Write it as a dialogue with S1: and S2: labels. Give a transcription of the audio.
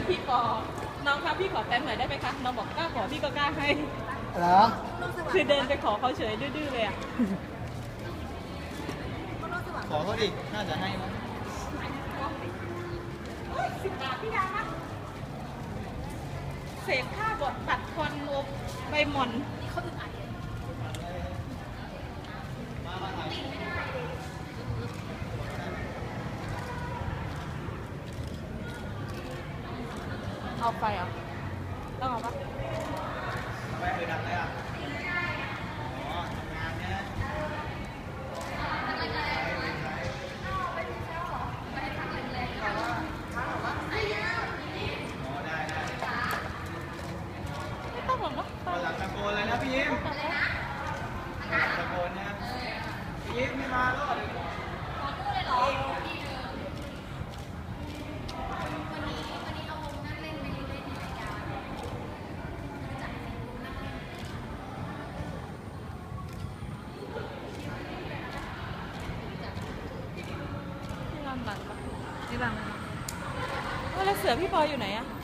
S1: พี่ขอน้องคะพี่ขอแฟนหน่อยได้ไหมคะน้องบอกกล้าขอพี่ก็กล้าให้
S2: เหรอ
S1: คือเดินไปขอเขาเฉยดื้อๆเลยอ่ะ
S2: ขอเขาดิน่าจะให้มั้ง
S1: 10 บาทพี่ดานะเศษผ้าบดตัดควันอบใบหม่อนเขาอึดอัดเอาไปอ่ะต้องเอาปะ
S2: ทำไมเคยดังเลยอ่ะอ๋อทำงานเนี่ยอ๋อได้
S1: ไม่ต้องหรอกเนาะ
S2: ตอนหลังตะโกนเลยนะพี่ยิ้มตะโกนนะพี่ยิ้มไม่มาแล้วเดี๋ยว
S1: นี่ลำหลังปะนี่ลำแล้วเสือพี่บอยอยู่ไหนอะ